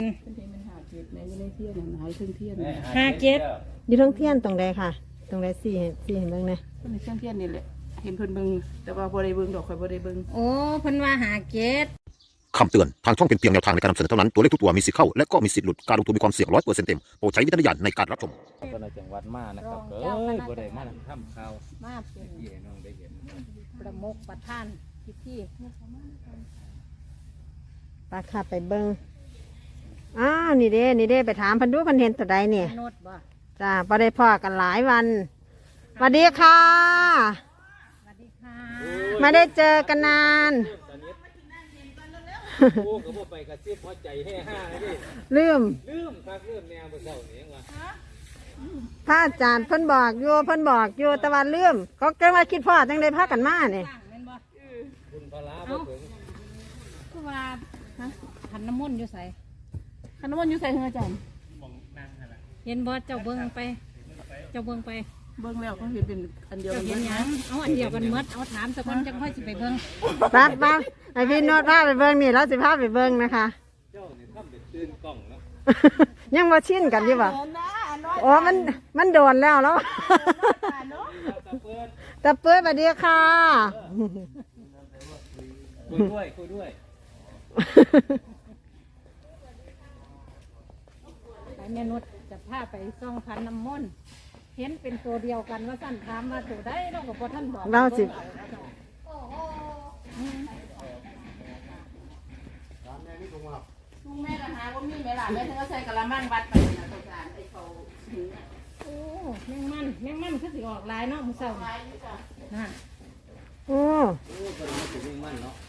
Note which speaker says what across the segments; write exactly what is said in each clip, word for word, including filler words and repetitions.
Speaker 1: มันหาเจ็ดในอยู่ในเทียนหายเครื่องเทียน
Speaker 2: ห้าเจ็ด
Speaker 3: อยู่ทั้งเทียนตรงใดค่ะ ตรงใดสี่เห็นสี่เห็นเบ้างนะ
Speaker 1: ก็ในเครื่องเทียนนี่แหละเห็นเพิ่นเบิ่งแต่ว่าบ่ได้เบิ่งดอกข่อยบ่ได้เบิ่ง
Speaker 2: โอ้เพิ่นว่าหาเจ็ด
Speaker 4: คำเตือน ทางช่องเป็นเพียงแนวทางในการนำเสนอเท่านั้น ตัวเลขทุกตัวมีสิทธิ์เข้า และก็มีสิทธิ์หลุด การลงทุนมีความเสี่ยงร้อยเปอร์เซ็นต์เต็ม โปรดใช้วิจารณญาณในการรับชม
Speaker 5: ก็ในจังหวัดมานะครับเอ้ยบ่ได้มาทำข่าว
Speaker 2: มาเป็น
Speaker 5: ที่ให้น้องได้เห็น
Speaker 2: ประมุขประธานพิธี
Speaker 3: ปาค่ะไปเบิ้งอ้าวนี่เด้นี่เด้ไปถามเพันดูเพันเห็นตัวใดเนี่ย
Speaker 2: โนดบ่
Speaker 3: จ้าพอได้พ่อกันหลายวันสวัสดีค่ะ
Speaker 2: สวัสดีค่ะ
Speaker 3: ไม่ได้เจอกันนาน
Speaker 5: โอ้ก็บ่ไปกระซิบหัวใจแห่ห้าเลยดิ
Speaker 3: ลืม
Speaker 5: ลืมคักลืมแนวบ่เช้านี่ว่า
Speaker 3: พระอาจารย์เพิ่นบอกอยู่เพิ่นบอกอยู่แต่ว่าลืมก็เกิดมาคิดพ่อจังได้พากันมาเนี่ย
Speaker 2: ว่างแม่นบ่
Speaker 5: คุณพลาบ่ถึง
Speaker 2: คือว่าฮะขันน้ำมนต์อยู่ไส
Speaker 1: คันน้ำมันอยู่ใส่เฮืออาจารย์
Speaker 2: เห็นบ่เจ้าเบิ่งไป เจ้าเบิ่งไป
Speaker 1: เบิ่งแล้วก็เห็นเป็นอันเดียว
Speaker 2: เจ้า
Speaker 1: กัน
Speaker 2: เห็นหยังเอาอันเดียวกันหมดเอาถามสักคนจังค่อยสิไปเบิ่ง
Speaker 3: ปั๊บปั๊บไอพี่โนดพาไปเบิ้งนี่เราสิพาไปเบิ้งนะคะ
Speaker 5: เจ้านี่ทำเป็นตื่นกล้องเนาะ
Speaker 3: ยังมาชินกันอยู่ป่ะโอ้มันมันโดนแล้วแล้ว
Speaker 5: ตะเปิด
Speaker 3: ตะเปื้อนสวัสดีค่ะ
Speaker 5: คุยด้วยคุยด้วย
Speaker 2: ไปแม่นุชจะพาไปส่องขันน้ำมนต์เห็นเป็นตัวเดียวกันว่าสั่นถามมาตัวได้เราก็บ่ท่านบอก
Speaker 3: เราสิ
Speaker 1: ลุงแม่ก็หาว่ามีแม่ล่ะแม่ถึงก็ใส่กะละมังวัดไปนะอาจารย์ไอ้เขาหิวน่ะ
Speaker 2: โอ้แมงมันแมงมันคือสิออกลายเนาะมื้อเช้า
Speaker 1: ไปอยู่จ้ะ
Speaker 2: น่ะ
Speaker 3: โอ้
Speaker 5: โอ้ก็มาถึงนี่มันเนาะ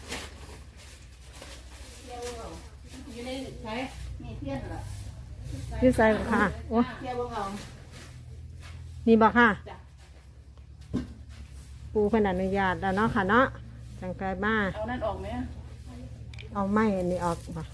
Speaker 1: อยู่ในใช้มีเทียนเหรอ
Speaker 3: พี่ใส่บ่ค่ะโอ้
Speaker 1: เทียนบ่เอา
Speaker 3: นี่บอกค่ะ
Speaker 1: จ้ะ
Speaker 3: ปูเพิ่นอนุญาตแล้วเนาะค่ะเนาะจังไกลมา
Speaker 1: เอานั่นออกไหม
Speaker 3: เอาไม้อันนี้ออกป่ะ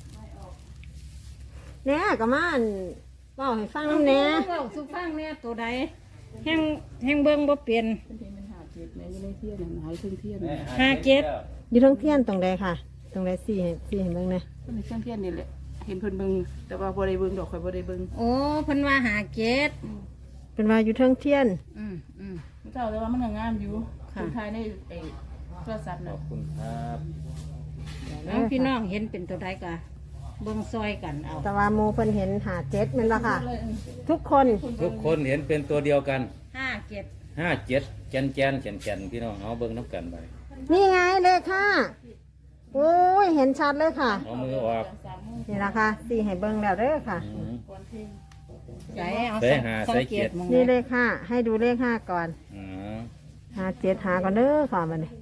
Speaker 3: เนี่ยก็มาอั่นเว้าให้ฟังน้ำแหน่
Speaker 2: เว้าสุฟังเนี่ยตัวใดแห้งแห้งเบิ่งบ่เปลี่ยน
Speaker 1: เพิ่นเห็นมันหาเจ็ดในอยู่ในเทียนหายเครื่องเทียน
Speaker 2: ห้าเจ็ด
Speaker 3: อยู่ทั้งเทียนตรงใดค่ะ ตรงใดสี่เห็นสี่เห็นเบ้างนะ
Speaker 1: ก็ในเครื่องเทียนนี่แหละเห็นเพิ่นเบิ่งแต่ว่าบ่ได้เบิ่งดอกข่อยบ่ได้เบิ่ง
Speaker 2: โอ้เพิ่นว่าหาเจ็ด
Speaker 3: เป็นว่าอยู่ทั้งเทียน
Speaker 2: อืมอืม
Speaker 1: เจ้าแต่ว่ามันก็งามอยู่
Speaker 2: ค่ะ
Speaker 1: สุดท้ายในไอ้โทรศัพท์
Speaker 5: ข
Speaker 1: น่ะ
Speaker 5: อบคุณครับ
Speaker 2: เอาพี่น้องเห็นเป็นตัวใดก็เบิ่งซอยกันเอา
Speaker 3: แต่ว่าโมเพิ่นเห็นหาเจ็ดแมันละค่ะ ทุกคน
Speaker 5: ทุกคนเห็นเป็นตัวเดียวกัน
Speaker 2: ห้าเจ็ด
Speaker 5: ห้าเจ็ดแกนแกนแกนแกนพี่น้องเอาเบิ่งน้ำกันไป
Speaker 3: นี่ไงเลขค่ะโอ้ยเห็นชัดเลยค่ะ
Speaker 5: เอามือออก
Speaker 3: นี่ละค่ะสี่ให้เบิ้งแล้วเด้อค่ะ
Speaker 5: อืม
Speaker 2: ใส่เอา
Speaker 5: ใส่หา
Speaker 2: สั
Speaker 5: ใส่
Speaker 2: งเก
Speaker 5: เจ็
Speaker 2: ต
Speaker 5: ด
Speaker 2: มอง
Speaker 3: นี่เล
Speaker 2: เลย
Speaker 3: ขห้าให้ดูเลขห้าก่อน
Speaker 5: อ๋อ
Speaker 3: หาเจ็ดหาก่อนเด้อค่ะมันนี่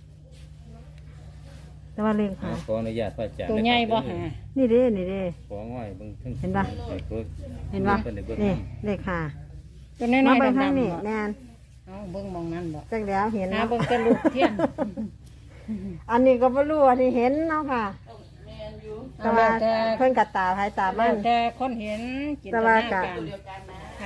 Speaker 3: แต่ว่าเลข
Speaker 5: อ่า
Speaker 3: หา
Speaker 5: ขออนุญาตพระอาจารย์
Speaker 2: ตัวใหญ่บ่หา
Speaker 3: นี่เด้นี่เด้
Speaker 5: ของง่อยเบิ่งทั้ง
Speaker 3: เห็นปะ
Speaker 5: ให้เบิ่ง
Speaker 3: เห็นปะ
Speaker 5: เพิ่นได้เบิ่ง
Speaker 3: นี่เลขห้า
Speaker 2: ตัวน้อย
Speaker 3: มา
Speaker 2: ๆ
Speaker 3: เบิ้ง
Speaker 2: ดำ
Speaker 3: ข้างนี้
Speaker 2: ๆบ่
Speaker 3: แน่น
Speaker 2: เอาเบิ่งมองนั้นบ่
Speaker 3: จังแล้วเห็น
Speaker 2: หา
Speaker 3: เนาะ
Speaker 2: เบิ่งแต่ลูกเทียน
Speaker 3: อันนี้ก็บ่รู้อันนี้เห็นเนาะค่ะ
Speaker 1: แม่นอยู่
Speaker 3: แต่ว่าเพิ่นกัดตาภายตามั
Speaker 2: แล้ว
Speaker 3: น
Speaker 2: แต่คนเห็นจินต
Speaker 3: แต่ว่า
Speaker 2: นา
Speaker 3: ก็
Speaker 2: การ
Speaker 1: เดียวกันนะ
Speaker 2: ค่ะ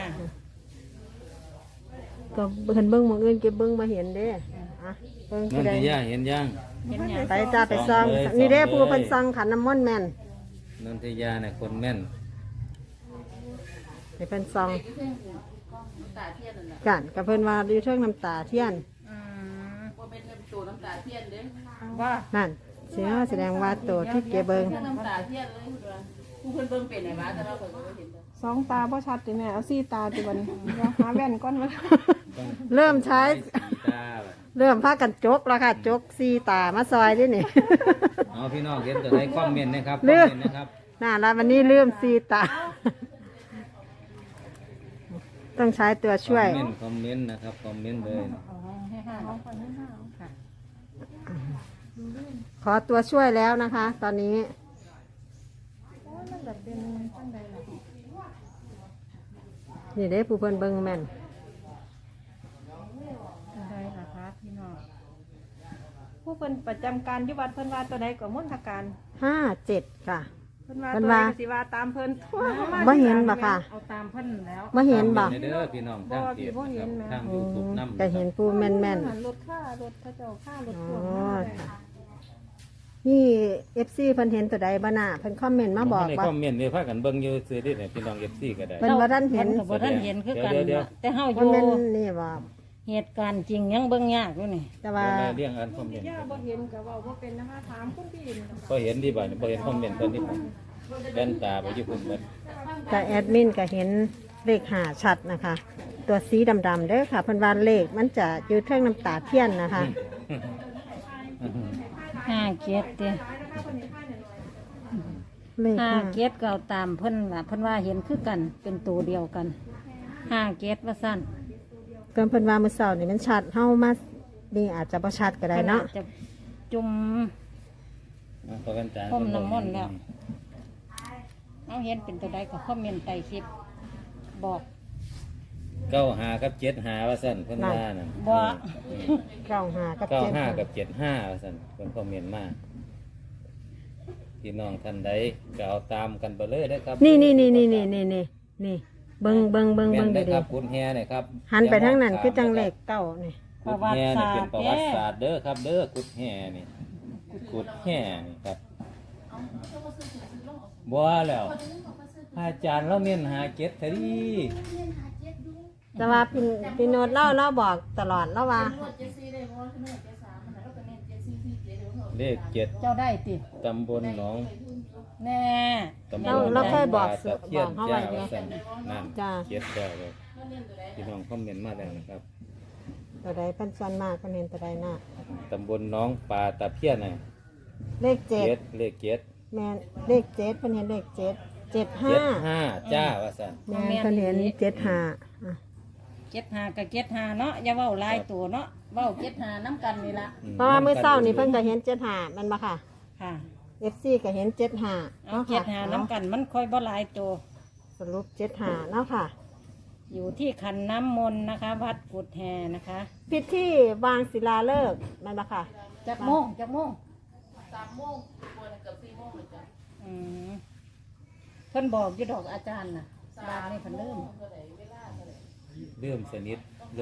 Speaker 3: ก็เพิ่นเบิ้งหมองอื่นเก็บเบิ้งมาเห็นเด้อ่ะเบิ้ง
Speaker 5: นั่
Speaker 3: ผู้
Speaker 5: น
Speaker 3: ใด
Speaker 5: ที่ย่าเห็นยัง
Speaker 2: เห็นหยัง
Speaker 3: ไปจ้าไปซอง
Speaker 5: ส่องเลย
Speaker 3: นี่เด้
Speaker 5: ส่องเลย
Speaker 3: ผู้เพิ่นซองขันน้ำมนต์แม่น
Speaker 5: นันทยาเนี่ยคนแม่น
Speaker 3: ให้เพิ่นซอง
Speaker 1: น้ำตาเทียนนั่นน่ะ
Speaker 3: กันกับเพิ่นว่าอยู่เทิงน้ำตาเทียน
Speaker 2: อืม
Speaker 1: บ่เป็นตัวน้ำตาเทียนเด้
Speaker 2: ว่า
Speaker 3: นั่นเสียแสดงว่าตัวที่เก็บเบิ้ง
Speaker 1: เครื่องน้ำตาเทียนเลยผู้เพิ่นเบิ่งเป็นไหนวะแต่เราก็บ่เห็นดอก
Speaker 6: สองตาพ่อชัดติแม่เอาสี่ตาติบัดนเดี๋ยวหาแว่นก้อนมา
Speaker 5: ต้อง
Speaker 3: เริ่มใช้
Speaker 5: สีตาแบบ
Speaker 3: เริ่มพากันจกแล้วค่ะ จกซีตามาซอยด้วยนี่
Speaker 5: เอาพี่น้องเห็นตัวไหนคอมเมนต์นะครับค
Speaker 3: เลื
Speaker 5: อม
Speaker 3: อก
Speaker 5: เมนต์นะครับ
Speaker 3: น่าละวันนี้เริ่มซีตา ต้องใช้ตัวช่วย
Speaker 5: คอมเมนต์คอมเมนต์นะครับคอมเมนต์เลย
Speaker 2: เอาให้ห้าเอาไปให้ห้าค่ะ
Speaker 3: ขอตัวช่วยแล้วนะคะ ตอนนี้
Speaker 6: มันแบบเป็นตั้งใดล่ะ
Speaker 3: นี่เด้ผู้เพิ่นเบิ้งแม่น
Speaker 6: ตั้งใดล่ะคะพี่น้องผู้เพิ่นประจำการอยุวัดเพิ่นว่าตัวใดก็มุ่นทการ
Speaker 3: ห้าเจ็ดค่ะ
Speaker 6: เพิ่นว่า
Speaker 3: เพิ่
Speaker 6: ตั
Speaker 3: น
Speaker 6: วใด
Speaker 3: ว่า
Speaker 6: ก็สิว่าตามเพิ่นทั่วประมาณ
Speaker 3: บ่เห็นบ่ค่ะ
Speaker 2: เอาตามเพิ่นแล้ว
Speaker 3: มาเห็นบ่
Speaker 5: คอมเมต์ในเด้อพี่น้องทางเพจนะครับทางยูทูบน้ำ
Speaker 3: จะเห็นผู้แม่นแม่น
Speaker 6: รถค่ารถเขาเจ้าค่ารถ
Speaker 3: อ๋
Speaker 6: พ่วง
Speaker 3: อ
Speaker 6: มา
Speaker 3: ค่ะนี่ เอฟ ซี เพิ่นเห็นตัวใดบ่น่ะเพิ่นคอมเมนต์มาบอก
Speaker 5: ใน
Speaker 3: ว่า
Speaker 5: คอมเมนต์นี่พากันเบิ่งอยู่ซื่อๆนี่พี่น้อง เอฟ ซี ก็ได้
Speaker 3: เพิ่นบ่ทันเห็น
Speaker 2: พิ่ก็บ่ทันเห็นคือกัน
Speaker 5: เดี๋ยวเดี๋ยว
Speaker 2: แต่เฮาอ
Speaker 3: คอม
Speaker 2: ยู่
Speaker 3: เมนต์นี่บ่
Speaker 2: เหตุการณ์จริงยังเบิ่งยากอยู่นี่
Speaker 3: แต่ว่า
Speaker 5: เดี๋ยวมาเรียงอ่านคอมเมนต์
Speaker 6: ย่าบ่เห็นก็เว้าบ่เป็นนะคะถามคุณพี่นี่ล่ะ
Speaker 5: พอเห็นดีบ่นี่พอเห็นคอมเมนต์ตอนนี้ผมแว่นตาไปอยู่พุ่นเบิด
Speaker 3: แต่แอดมินก็เห็นเลขหาชัดนะคะ ตัวสีดำๆเด้อค่ะเพิ่นว่าเลขมันจะอยู่เทิงน้ำตาเทียนนะคะ
Speaker 2: ห้าเกียรติเด้
Speaker 3: เลข
Speaker 2: ห้า
Speaker 3: ห้า
Speaker 2: เกียรติก็เอาตามเพิ่นล่ะเพิ่นว่าเห็นคือกันเป็นตัวเดียวกันห้าเกียรติว่าซั่น
Speaker 3: เพิ่นเพิ่นว่ามื้อเช้านี่มันชัดเฮามานี่อาจจะบ่ชัดก็ได้เนาะ
Speaker 2: พิ่อจจะจุ่ม
Speaker 5: เอาพอแว่นตา
Speaker 2: พรมน้ำมนต์แล้ว เอาเห็นเป็นตัวใดก็คอมเมนต์ใต้คลิปบอก
Speaker 5: เก้าห้ากับเจ็ดห้าว่าซั่นเพิ่นว่านั่น
Speaker 2: บ่
Speaker 3: เก้าห้ากับ
Speaker 5: เก้า
Speaker 3: เจ็ด
Speaker 5: ห้า
Speaker 3: ห้า
Speaker 5: กับเจ็ดห้าว่าซั่นเพิ่นคอมเมนต์มาพี่น้องท่านใดก็เอาตามกันไปเลยเด้อครับ
Speaker 3: นี่นี่นี่นี่นี่นี่นี่นี่เบิ่งเบิ่งเบิ่ง
Speaker 5: แม่
Speaker 3: เบิ่
Speaker 5: น
Speaker 3: ง
Speaker 5: ได้อ
Speaker 3: ดี
Speaker 5: ครับคุณแฮเนี่ยครับ
Speaker 3: ๆหันไปทางนั้นคือจังเลขเก้านี่
Speaker 2: ประ
Speaker 5: กุด
Speaker 2: วัติ
Speaker 5: แฮนี่
Speaker 2: ศา
Speaker 5: เป็
Speaker 2: ส
Speaker 5: น
Speaker 2: ตร์
Speaker 5: ประ
Speaker 2: เด้
Speaker 5: วัติศาสตร์เด้อครับเด้อกุดแฮนี่กุดแฮนี่ครับบัวแล้วอาจารย์เราเมียนหาเก็ดทะดี
Speaker 3: แต่ว่าพี่พี่โนดเล่าเล่าบอกตลอดเล่าว่า
Speaker 5: เลขเจ็ด
Speaker 2: เจ้าได้ติ
Speaker 5: ตำบลหนอง
Speaker 2: แน่
Speaker 5: ตำบ
Speaker 3: เรา
Speaker 5: ล
Speaker 3: เราเคยบอก
Speaker 5: ตะเคียน
Speaker 3: บอกเขาไว้
Speaker 5: จ้า
Speaker 3: ไง
Speaker 5: ว่าซั่นนั่น
Speaker 3: จ้า
Speaker 5: เจ็ดแล้วเลยพี่น้องคอมเมนต์มาแล้วนะครับ
Speaker 3: ตัวใดเพิ่นส่วนมากเพิ่นเห็นตัวใดน่ะ
Speaker 5: ตำบลหน้องปลาตะเพียนน่ะ
Speaker 3: เลขเจ็ด
Speaker 5: เจ็ดเลขเจ็ด
Speaker 3: แม่นเลขเจ็ดเพิ่นเห็นเลขเจ็ดเจ็ดห้า
Speaker 5: เจ็ดห้าจ้าว่าซั่น
Speaker 3: แม่นเพิ่นเห็นเจ็ดห้าอ่ะ
Speaker 2: เจ็ดหากับเจ็ดหาเนาะอย่าเว้าหลายตัวเนาะเว้าเจ็ดหาน้ำกันนี่ละ
Speaker 3: เพราะว่ามื้อเช้านี่เพิ่นก็เห็นเจ็ดห้าแมันบ่ค่ะ
Speaker 2: ค่ะ
Speaker 3: เอฟ ซี ก็เห็นเจ็ดห้า
Speaker 2: เอา
Speaker 3: เนาะ
Speaker 2: เจ็ด
Speaker 3: ค่ะ
Speaker 2: หาน้ำกันมันค่อยบ่หลายตัว
Speaker 3: สรุปเจ็ดห้าเนาะค่ะ
Speaker 2: อยู่ที่ขันน้ำมนต์นะคะ วัดกุดแฮนะคะ
Speaker 3: พิธีวางศิลาฤกษ์แมันบ่ค่ะ
Speaker 2: จักโมงจักโมง
Speaker 1: สามโมงกว่าเกือบสี่โมงเลยจ้ะ
Speaker 2: อืมเพิ่นบอกอยู่ดอกอาจารย์น่ะบางนี่เพิ่นลืม
Speaker 5: เริ่มสนิทเลย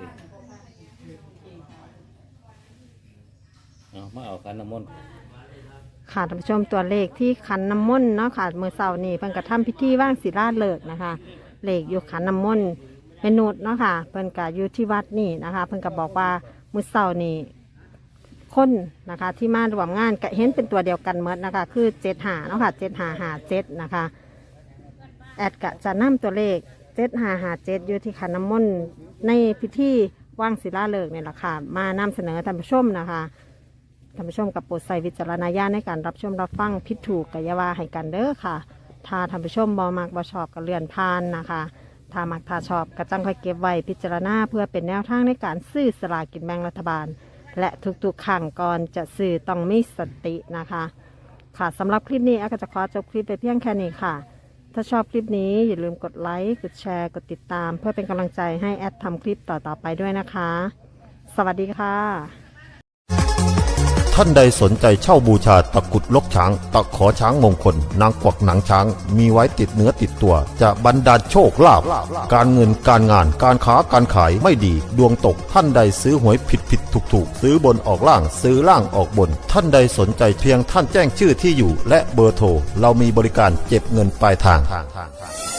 Speaker 5: เอามาเอาคันน้ำมนต์
Speaker 3: ค่ะท่านผู้ชมตัวเลขที่ขันน้ำมนต์เนาะค่ะมื้อเช้านี่เพิ่นก็ทำพิธีว่างศิลาฤกษ์นะคะเลขอยู่ขันน้ำมนต์เป็นนุดเนาะค่ะเพิ่นก็อยู่ที่วัดนี่นะคะ เพิ่นก็บอกว่ามื้อเช้านี่คนนะคะที่มาร่วมงานก็เห็นเป็นตัวเดียวกันหมดนะคะ คือเจ็ดห้าเนาะค่ะเจ็ดห้าห้าเจ็ดนะคะแอดก็จะนำตัวเลขเจ็ดห้าห้าเจ็ดอยู่ที่ขันน้ำมนต์ในพิธีว่างศิลาฤกษ์นี่แหละค่ะมานำเสนอท่านผู้ชมนะคะ ท่านผู้ชมกับโปรดใส่วิจารณญาณในการรับชมรับฟังผิดถูกกัยาวาให้กันเด้อค่ะ ถ้าท่านผู้ชมบอมักบอชอบก็เลื่อนผ่านนะคะ ถ้ามักถ้าชอบก็จังค่อยเก็บไว้พิจารณาเพื่อเป็นแนวทางในการซื้อสลากกินแบ่งรัฐบาล และทุกๆครั้งก่อนจะซื้อต้องมีสตินะคะ ค่ะสำหรับคลิปนี้อาก็จะขอจบคลิปไปเพียงแค่นี้ค่ะ ถ้าชอบคลิปนี้อย่าลืมกดไลค์กดแชร์กดติดตาม เพื่อเป็นกำลังใจให้แอดทำคลิปต่อๆไปด้วยนะคะ สวัสดีค่ะ
Speaker 4: ท่านใดสนใจเช่าบูชาตะกรุดลกช้าง ตะขอช้างมงคล นางกวักหนังช้าง มีไว้ติดเนื้อติดตัว จะบรรดาลโชคลาภการเงินการงานการค้าการขายไม่ดี ดวงตกท่านใดซื้อหวยผิดผิดถูกถูกซื้อบนออกล่างซื้อล่างออกบน ท่านใดสนใจเพียงท่านแจ้งชื่อที่อยู่ และเบอร์โทรเรามีบริการเก็บเงินปลายทาง